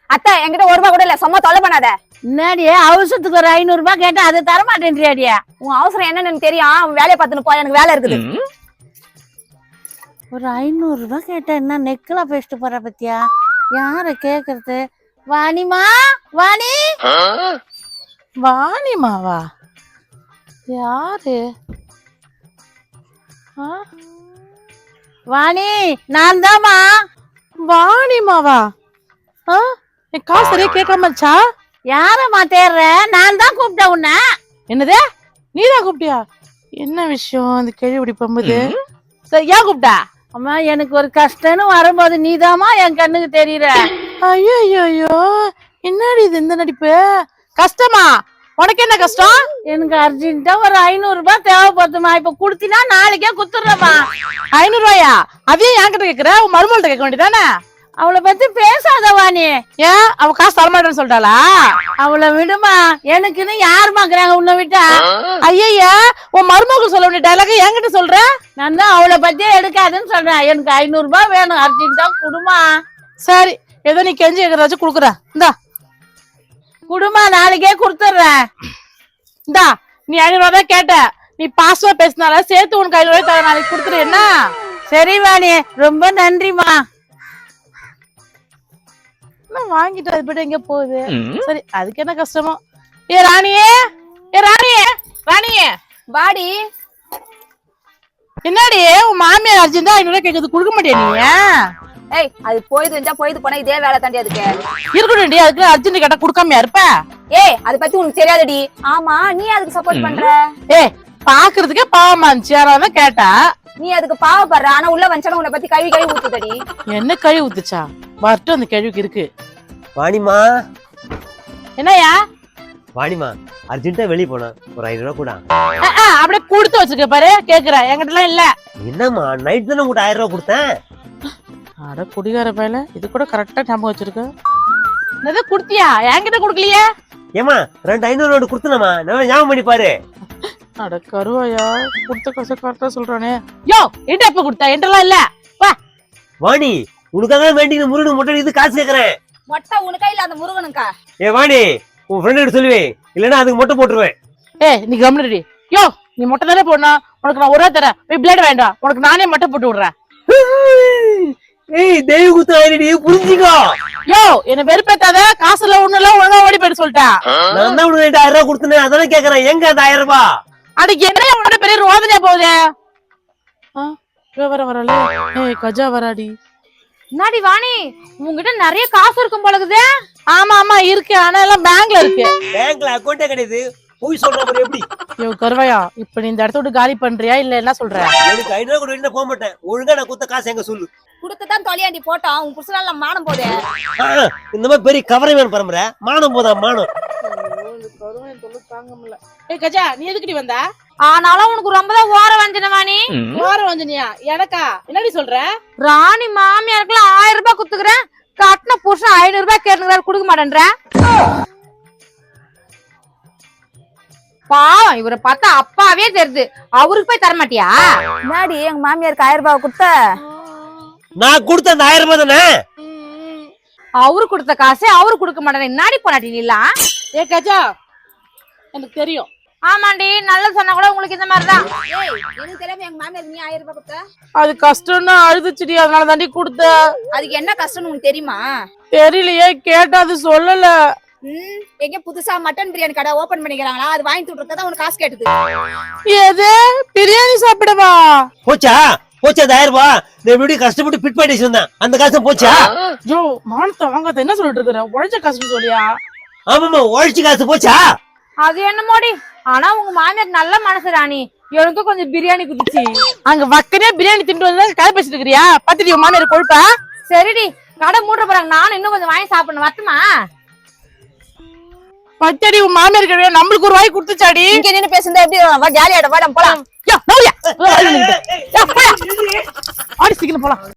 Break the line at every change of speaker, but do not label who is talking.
அத்தை என்கிட்ட 1 ரூபாய் கூட இல்ல, சும்மா தொலை பண்ணாத.
என்னடியே அவசரத்துக்கு ஒரு 500 ரூபாய் கேட்டா அதை தர மாட்டேன்றியாடியா?
உன் அவசரம் என்னன்னு தெரியும், உன் வேலையை பார்த்துன்னு போ, எனக்கு வேலை இருக்குது.
ஒரு 500 ரூபாய் கேட்டா என்ன நெக்கலா பேசிட்டு போற பத்தியா? யார கேக்குறது? வாணிமா, வாணி, வாணிமாவா? யாரு? வாணி, நான் தாமா.
வாணிமாவா? என் காசு சரியா கேட்காமச்சா?
யாரம்மா தேர்ற? நான் தான் கூப்பிட்டேன் உன்ன.
என்னது? நீதான் கூப்பிட்டியா? என்ன விஷயம் அந்த கேள்வி பம்புது? சரி, ஏன் கூப்பிட்டா?
அம்மா, எனக்கு ஒரு கஷ்டம்னு வரும்போது நீதாமா என் கண்ணுக்கு தெரியற.
ஐயோ ஐயோ, என்னடி இது இந்த நடிப்பு? கஷ்டமா? உனக்கு என்ன கஷ்டம்?
எனக்கு அர்ஜென்ட்டா ஒரு 500 ரூபாய் தேவைப்படுதுமா. இப்ப குடுத்தினா நாளைக்கே குத்துறமா.
500 ரூபாயா? அதையும் என்கிட்ட கேக்குற? உன் மருமகள்கிட்ட கேட்க வேண்டியதானே?
அவளை பத்தி பேசாத வாணி.
ஏன் அவ காசு தரமாட்டேன்னு சொல்லிட்டாளா?
அவளை விடுமா, எனக்குன்னு யாருமாக்குறாங்க உன்னை விட்டா?
ஐயா, உன் மருமகள் சொல்ல வேண்டிய டைலாக் என்கிட்ட சொல்ற?
நான் தான் அவளை பத்தியே எடுக்காதுன்னு சொல்றேன். எனக்கு 500 ரூபாய் வேணும், அர்ஜென்ட்டா குடுமா.
சரி, ஏதோ நீ கெஞ்சி கேக்குறாச்சும் குடுக்குற. இந்தா
குடுமா, நாளைக்கே குடுத்துறேன்.
இந்தா, நீ 500 ரூபாய் தான் கேட்ட. நீ பாசமா பேசினால சேர்த்து உனக்கு 500 ரூபாய் தர, நாளைக்கு கொடுத்துரு. என்ன?
சரி வாணி, ரொம்ப நன்றிமா.
வாங்கிட்டு அது போயிட்டு எங்க போகுது? சரி, அதுக்கு என்ன கஷ்டமோ. ஏ ராணியே, ராணியே
வாடி.
என்னடி உன் மாமியார் அர்ஜென்ட்டா 500 ரூபாய் கேக்குது, கொடுக்க மாட்டியா நீ?
ஏய், அது போயிட்டு போனா இதே வேலை தாண்டி அதுக்கு
இருக்கணும்டி. அதுக்கு அர்ஜென்ட் கேட்டா கொடுக்காமையா இருப்ப?
ஏய், அதை பத்தி உனக்கு தெரியாதடி. ஆமா, நீ அதுக்கு சப்போர்ட் பண்ற.
ஏய், பாக்குறதுக்கே பாவமா இருந்துச்சு, யாராவது கேட்டா.
நீ அதுக்கு பாவப்படுற, ஆனா உள்ள வந்தாலும் உன்னை பத்தி கழுவி ஊத்துதடி.
என்ன கழுவி ஊத்துச்சா? வரட்டும், அந்த கேள்விக்கு இருக்கு.
வாணிமா,
என்னையா?
வாணிமா, அர்ஜென்ட்டா வெளியே போனா ஒரு 500 ரூபாய் கூட.
அப்படியே கொடுத்து வச்சிருக்க பாரு. கேக்குறேன், என்கிட்ட எல்லாம் இல்ல.
என்னம்மா, நைட் தானே உங்கள்கிட்ட 1000 ரூபாய் கொடுத்தேன்.
அட குடிகார பையல, இது கூட கரெக்டா ஞாபகம் வச்சிருக்க. என்னது குடுத்தியா? என்கிட்ட குடுக்கலையே.
ஏமா, 2 500 நோட்டு கொடுத்தனமா, நான் ஞாபகம் பண்ணி பாரு.
அட கருவாயா, கொடுத்த காசை கரெக்டா சொல்றானே. யோ, என்கிட்ட எப்ப கொடுத்தா? என்கிட்ட இல்ல. வா
வாணி, உனக்காக வேண்டி முருகன் மொட்டை இது காசு கேக்குறேன்.
மொட்டை உனக்கா இல்ல அந்த முருகனுக்கா?
ஏ வாணி, உன் ஃப்ரெண்ட் கிட்ட சொல்லுவேன், இல்லன்னா அதுக்கு மொட்டை போட்டுருவேன்.
நீ கம்முனடி. யோ, நீ மொட்டை தானே போடணும். உனக்கு நான் ஒரே தரேன். போய் பிளேட் வேண்டாம், உனக்கு நானே மொட்டை போட்டு விடுறேன்.
ஏய், தெய்வ குத்து ஆயிடுடி, புரிஞ்சுக்கோ.
யோ, என்ன வெறுப்பேத்தாத. காசுல ஒண்ணு எல்லாம் ஒழுங்கா ஓடி போயிட்டு சொல்லிட்டேன்.
நான் தான் உனக்கு 1000 ரூபாய் கொடுத்தேன், அதானே கேக்குறேன். எங்க அந்த 1000 ரூபாய்?
அதுக்கு என்ன உன்னோட பெரிய ரோதனையா போகுது? வரல. ஏய், கஜா வராடி.
என்னடி வாணி, உங்ககிட்ட நிறைய காசு இருக்கும் போலகுது.
ஆமா இருக்கு, ஆனா எல்லாம் பேங்க்ல இருக்கு.
பேங்க்ல அக்கௌண்டே கிடையாது. போய் சொல்ற மாதிரி எப்படி?
யோ கருவாயா, இப்ப நீ இந்த இடத்த விட்டு காலி பண்றியா இல்ல என்ன சொல்ற?
எனக்கு 500 ரூபாய் கூட வெளியில போக மாட்டேன். ஒழுங்கா நான் கொடுத்த காசு எங்க சொல்லு.
குடுத்துதான் தொலையாண்டி போட்டோம். உன் புருஷனால மானம் போதே.
இந்த மாதிரி பெரிய கவரைமேன் பரம்பரை மானம் போதா மானம்.
ஏய் கஜா, நீ எதுக்குடி வந்த?
ஆனாலும் உனக்கு ரொம்ப தான் ஓர வஞ்சன வாணி.
ஓர வஞ்சனியா? எனக்கா? என்னடி சொல்ற?
ராணி மாமியாருக்கு 1000 ரூபாய் குத்துக்கிறேன், கட்டின புருஷன் 500 ரூபாய் கேட்டுக்கிறாரு, கொடுக்க மாட்டேன்ற. பாவம், இவரை பார்த்தா அப்பாவே தெரியுது, அவருக்கு போய் தர மாட்டியா? முன்னாடி எங்க மாமியாருக்கு 1000 ரூபாய் கொடுத்த.
நான் கொடுத்த அந்த 1000 ரூபாய் தானே.
அவரு கொடுத்த காசு அவரு கொடுக்க மாட்டேன். என்னாடி போனாட்டி நீலாம்?
ஏ கஜா, எனக்கு தெரியும்.
ஆமாண்டி, நல்லா சொன்னா கூட உங்களுக்கு இந்த மாதிரிதான். எனக்கு தெரியாம எங்க மாமியாருக்கு நீ 1000 ரூபாய் கொடுத்த.
அது கஷ்டம்னு அழுதுச்சுடி, அதனால தாண்டி கொடுத்த.
அதுக்கு என்ன கஷ்டம்னு உனக்கு தெரியுமா?
தெரியலையே, கேட்டா அது சொல்லல.
எங்க புதுசா மட்டன் பிரியாணி கடை ஓபன் பண்ணிக்கிறாங்களா, அது வாங்கி கொடுத்தா உனக்கு காசு கேட்டது.
எது? பிரியாணி சாப்பிடவா?
போச்சா அந்த 1000 ரூபாய்? நான் எப்படி கஷ்டப்பட்டு பிட் பண்ணி வச்சிருந்தேன், அந்த காசு போச்சா?
ஜோ, மானத்தை வாங்காத என்ன சொல்லிட்டு இருக்கிற? உழைச்ச காசு சொல்லியா?
ஆமாமா, உழைச்சி காசு போச்சா?
அது என்னமோடி, ஆனா உங்க மாமியார் நல்ல மனசு ராணி, எனக்கு கொஞ்சம் பிரியாணி குதிச்சு.
அங்க வக்கனே பிரியாணி திண்டு வந்து கதை பேசிட்டு இருக்கிறியா? பத்திரி உன் மாமியார் கொழுப்பா?
சரிடி, கடை மூட போறாங்க, நானும் இன்னும் கொஞ்சம் வாங்கி சாப்பிடணும், வரட்டுமா?
பச்சடி உன் மாமியார் கிடையாது, நம்மளுக்கு ஒரு வாய் கொடுத்துச்சாடி.
இங்க நின்னு பேசுறதா எப்படி? ஜாலியாட வாடம் போலாம்.
ஆடி சீக்கிரம் போலாம்.